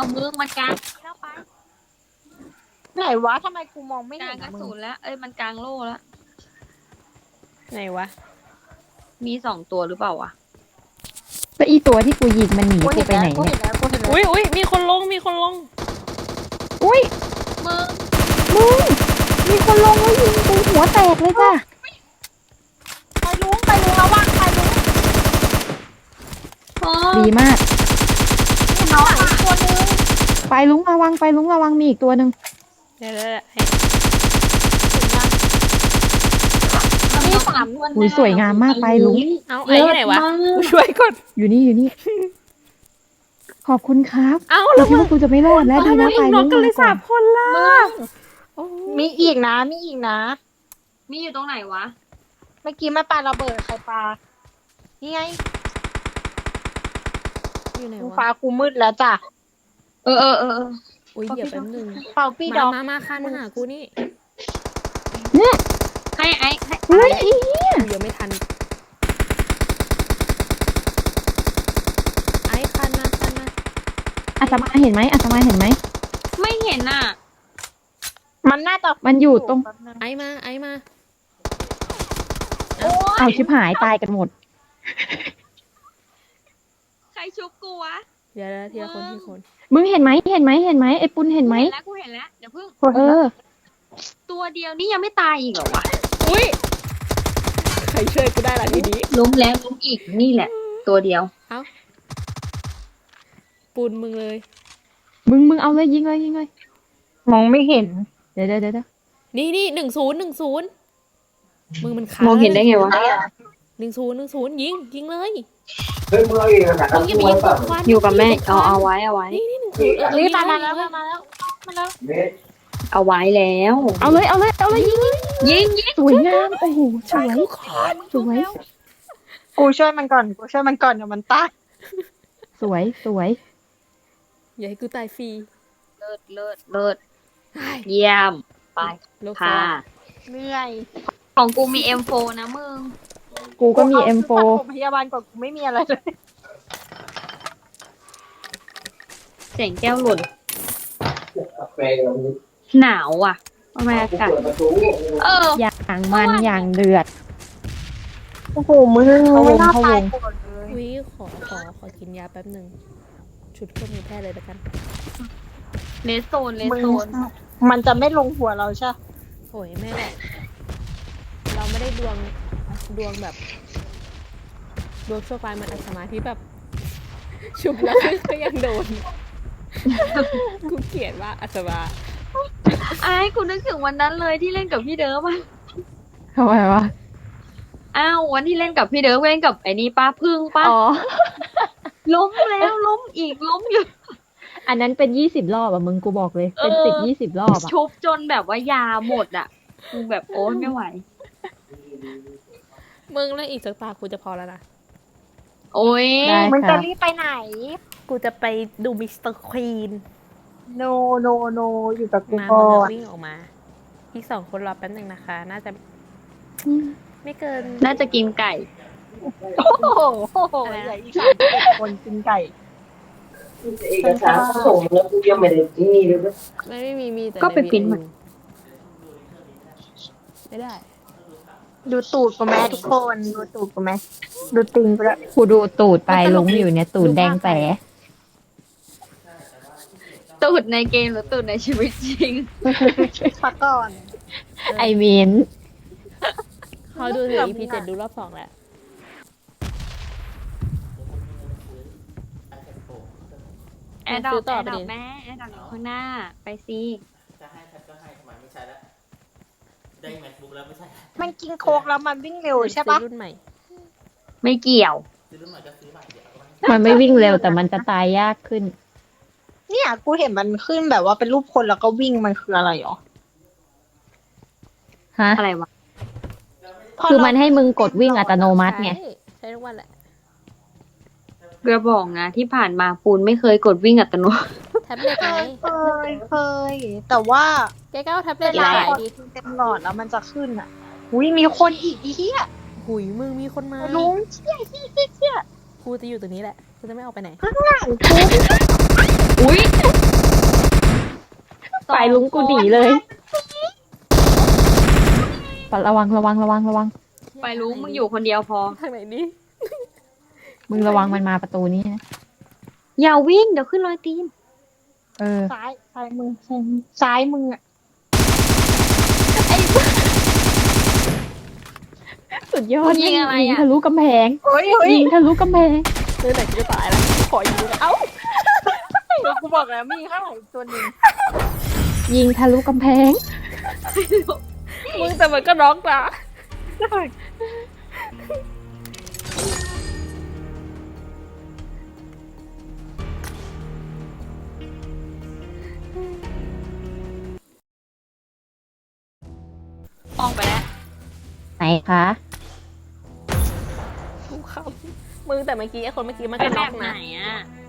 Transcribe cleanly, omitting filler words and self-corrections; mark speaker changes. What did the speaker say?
Speaker 1: มึงมันกลางแล้วไป
Speaker 2: ไหนวะทำไมกูมองไม่
Speaker 1: กลา
Speaker 2: เห็
Speaker 1: ง
Speaker 2: น
Speaker 1: กระ
Speaker 2: มึง
Speaker 1: สุนแล้วเอ้ยมันกลางโล่แล้ว
Speaker 3: ไหนวะ
Speaker 1: มี2 ตัวหรือเปล่าวะ
Speaker 4: แล้วอีตัวที่กูยิงมันหนี
Speaker 2: กู
Speaker 4: กู
Speaker 2: เห็น
Speaker 4: ไป
Speaker 2: แล้ว
Speaker 4: ไหน
Speaker 2: กู
Speaker 4: เนี่
Speaker 2: เห็
Speaker 4: ย
Speaker 2: นแล้วกูเห็นแล้ว
Speaker 3: อุ้ยมีคนลงมีคนลง
Speaker 4: อุ้ย
Speaker 1: มึง
Speaker 4: มึงมีคนลงแล้วยิงกูหัวแตกเลยจ้ะ
Speaker 2: ไปลุงระวังไปลุง
Speaker 1: โอ้
Speaker 4: ดีมาก
Speaker 2: นี่ข้างหลังอีกตัวนึง
Speaker 4: ไปลุงระวังไปลุงระวังมีอีกตัวหนึ่ง
Speaker 3: เดี๋ยวให้
Speaker 2: มี3
Speaker 4: อุ้ยสวยงามมากไปลุง
Speaker 3: เอาไอ้ที่ไหนวะกูช่วยก่อน
Speaker 4: อยู่นี่อยู่นี่ ขอบคุณครับ
Speaker 3: เอา
Speaker 4: กู
Speaker 3: แล้ว
Speaker 4: คิดว่ากูจะไม่รอดแล้วดี
Speaker 3: ทำไม
Speaker 4: นะ
Speaker 3: อี
Speaker 4: ไป
Speaker 3: กน
Speaker 4: ลุ
Speaker 3: ก
Speaker 4: ง
Speaker 3: กันเลย
Speaker 4: มาก่อ
Speaker 3: 3 คนล่ะ
Speaker 1: มึง
Speaker 3: โอ้
Speaker 2: มีอีกนะมีอีกนะ
Speaker 1: มีอยู่ตรงไหนวะ
Speaker 2: เมื่อกี้มาปาระเบิดใครปานี่ไง
Speaker 3: อยู่ไหน
Speaker 2: กู
Speaker 3: วะ
Speaker 2: ฟ้ากูมืดแล้วจ้ะ
Speaker 1: เออ
Speaker 3: อุ้ยเดี๋ยวแป๊บนึง
Speaker 2: เป่าปี้ดอก
Speaker 3: มาคันมาหากูนี่
Speaker 4: เนี่ย
Speaker 1: ให้ไอ้ให้
Speaker 4: เฮ้ยอีเหี้ย
Speaker 3: กูยังไม่ทันไอ้คันมา
Speaker 4: อาตมาเห็นไหมอาตมาเห็นไหม
Speaker 1: ไม่เห็นน่ะ
Speaker 2: มันน่าจะ
Speaker 4: มันอยู่ตรง
Speaker 2: แป๊บนึง
Speaker 3: ไอ้มา
Speaker 2: โอ้ย
Speaker 4: เอาชิบหายตายกันหมด
Speaker 1: ใครชุบกูวะ
Speaker 3: เดี๋ยวทีละคนทีละคน
Speaker 4: มึงเห็นไหมเห็นไหมเห็นไหมไอ้ปุณเห็นไหม
Speaker 1: แล้วกูเห็นแล้วเดี๋ยวเพิ่ง
Speaker 4: เออ
Speaker 1: ตัวเดียวนี่ยังไม่ตายอีกเหรอวะ
Speaker 3: อุ้ยใครช่วยกูได้ล่ะทีนี้
Speaker 1: ล้มแล้วล้มอีกนี่แหละ ตัวเดียว
Speaker 3: ปูนมึงเลย
Speaker 4: มึงเอาเลยยิงเลยยิงเลย
Speaker 2: มองไม่เห็น
Speaker 4: เดี๋ยว
Speaker 3: นี่10มึงมันค้าง
Speaker 1: มองเห็นได้ไงวะ
Speaker 3: 10ยิงเลย
Speaker 5: เฮ้ยมึงเอาอีกนะ
Speaker 3: มึงอย่าไปยิงควัน
Speaker 1: อยู่กับแม่เอาไว้
Speaker 3: นี่10
Speaker 2: นี่
Speaker 3: ยิง
Speaker 2: มา
Speaker 3: เลย
Speaker 2: แล้วมาแล้วมาแล้ว
Speaker 1: เอาไว้แล้ว
Speaker 4: เอาเลยยิง
Speaker 1: ยิง
Speaker 4: สวยงามโอ้โหสวยสวย
Speaker 2: กูช่วยมันก่อนเดี๋ยวมันตาย
Speaker 4: สวย
Speaker 3: อย่าให้กูตายฟรี
Speaker 1: เลิศเยี่ยมไป
Speaker 3: โลก
Speaker 1: ค่ะ
Speaker 2: เหนื่อย
Speaker 1: ของกูมี M4 นะมึง
Speaker 4: กูก็มี
Speaker 2: เอา
Speaker 4: M4
Speaker 2: ชุดปฐมพยาบาลก่อนกูไม่มีอะไรเลย
Speaker 1: เสียงแก้วหล่น
Speaker 5: แปลง
Speaker 1: หนาวอ่ะทำไมอากาศ
Speaker 5: ประตู
Speaker 4: อย่างมันอย่างเดือด
Speaker 2: โอ้โหมึงไม่น่าตายก่อนเลย
Speaker 3: อุ้ยขอกินยาแป๊บหนึ่งชุดเครื่องมือแพทย์เลยแล้วกัน
Speaker 1: เลสโซน
Speaker 2: มันจะไม่ลงหัวเราใช่
Speaker 3: โอ้ยไม่หรอกเราไม่ได้ดวงแบบดวงชั่วร้ายเหมือนอัศมาที่แบบ ชุบแล้วก็ยังโดน กูเกลียดว่าอัศมา
Speaker 1: ไอ้กูนึกถึงวันนั้นเลยที่เล่นกับพี่เดิมอ่ะ
Speaker 4: ทำไมวะ
Speaker 1: อ้าววันที่เล่นกับพี่เดิมเล่นกับไอ้นี่ป้าพึ่งป้า
Speaker 4: อ๋อ
Speaker 1: ล้มแล้วล้มอีกล้มอยู่
Speaker 4: อันนั้นเป็น20 รอบอ่ะมึงกูบอกเลย เป็น10-20 รอบอ่ะ
Speaker 1: ชุบจนแบบว่ายาหมดอ่ะกูแบบโอ๊ยไม่ไหว
Speaker 3: มึงแล้วอีกสักตากูจะพอแล้วนะ
Speaker 1: โอ๊ย
Speaker 4: ได้
Speaker 2: มึง
Speaker 4: ค
Speaker 2: จะ
Speaker 4: รับ
Speaker 2: รีบไปไหน
Speaker 3: กูจะไปดูมิสเตอร์ควีน
Speaker 2: no no อยู่กับกู
Speaker 3: มา
Speaker 2: ก่อ
Speaker 3: มึง
Speaker 2: น
Speaker 3: วิ่งออกมา อีก2 คนรอแป๊บหนึ่งนะคะ น่าจะไม่เกิน
Speaker 1: น่าจะกินไก่
Speaker 2: โอ้โหเหลืออีก31 คนกินไก่
Speaker 5: เอกสารเขาส่งแล้วกูยังไม่ได้ที่นี่เลย
Speaker 3: ไม่มีแต่
Speaker 1: ก็ไป
Speaker 3: ใน
Speaker 1: ปริ้นมา
Speaker 3: VIU ไม่ได้
Speaker 2: ดูตูดกูไหมทุกคนดูตูดกูไหมดูติงกูละ
Speaker 4: กูดูตูดไปลุงอยู่เนี่ยตูดแดงแป๋
Speaker 1: ตูดในเกมหรือตูดในชีวิตจริง
Speaker 2: พักก่อน
Speaker 4: ไอเมีน
Speaker 3: เขาดูถึง EP 7ดูรอบ 2 แล้ว
Speaker 1: แอร์ดรอ
Speaker 3: ซื้
Speaker 1: ป
Speaker 3: อต่อ
Speaker 1: แอร์
Speaker 3: ไป
Speaker 1: ดรอ
Speaker 3: ดิ
Speaker 1: ปแม่แอร์ดรอปอยู่ข้างหน้าไปสิ
Speaker 6: จะให้ทำไมไม่ใช่แล้ว ได้แมคบุ๊กแล้วไม่ใช่
Speaker 2: มันกินโคกแล้วมันวิ่งเร็วใช่ปะ
Speaker 3: ซื้อรุ่นใหม่
Speaker 1: ไม่เกี่ยว
Speaker 6: ซื้อรุ่นใหม่ก็ซื้อใหม่เดี๋ยวเอาไว้
Speaker 4: มันไม่วิ่งเร็วแต่มันจะตายยากขึ้น
Speaker 2: เนี่ยกูเห็นมันขึ้นแบบว่าเป็นรูปคนแล้วก็วิ่งมันคืออะไรหรอ
Speaker 4: ฮะ
Speaker 1: อะไรวะ
Speaker 4: คือมันให้มึงกดวิ่งอัตโนมัติไง
Speaker 3: ใช้ทุกวันแหละ
Speaker 1: เรือบอกนะที่ผ่านมาปูนไม่เคยกดวิ่งอัตโนมัติ
Speaker 3: แท็บเล็ต
Speaker 2: เค
Speaker 3: ไง
Speaker 2: ยแต่ว่า
Speaker 3: แกก็เอาแท็บเล็
Speaker 2: เว
Speaker 3: ต
Speaker 2: ลา
Speaker 3: มาขาย
Speaker 2: พอ
Speaker 3: ดิ
Speaker 2: เต็มหลอดแล้วมันจะขึ้นอ่ะอุ้ยมีคนอีกอีเหี้ย
Speaker 3: หุยมึงมีคนมา
Speaker 2: ลุงเชี่ย
Speaker 3: กูจะอยู่ตรงนี้แหละกูจะไม่ออกไปไหน
Speaker 2: ข้างหลังกู
Speaker 1: อุ้ย
Speaker 4: ฝ่ายลุงกูหนีเลยระวัง
Speaker 1: ไปรู้มึงอยู่คนเดียวพอ
Speaker 3: ทางไหนดิ
Speaker 4: มึงระวังมันมาประตูนี้นะ
Speaker 1: อย่าวิ่งเดี๋ยวขึ้นรอยตีน
Speaker 4: เออ
Speaker 2: ซ้ายมือซ้ายมืออ่ะ
Speaker 4: สุดยอด
Speaker 1: ยิงอะไรอะ
Speaker 4: ทะลุกำแพง
Speaker 2: เฮ้ย
Speaker 4: ยิงทะลุกำแพง
Speaker 3: เรื่องไหนกูจะตายแล้วขอยิงเลยเอ้า
Speaker 2: กูบอกแล้วมีข้างหลังอีกตัวหนึ่ง
Speaker 4: ยิงทะลุกำแพง
Speaker 3: มึงแต่มันก็น็อกนะ
Speaker 1: ออกไปแล้ว
Speaker 4: ไหนคะ
Speaker 3: กูขำมึงแต่เมื่อกี้ไอ้คนเมื่อกี้มัน
Speaker 1: ไป
Speaker 3: ก็
Speaker 1: แบ
Speaker 3: น็อก
Speaker 1: บไหน
Speaker 3: นะ
Speaker 1: อ่ะ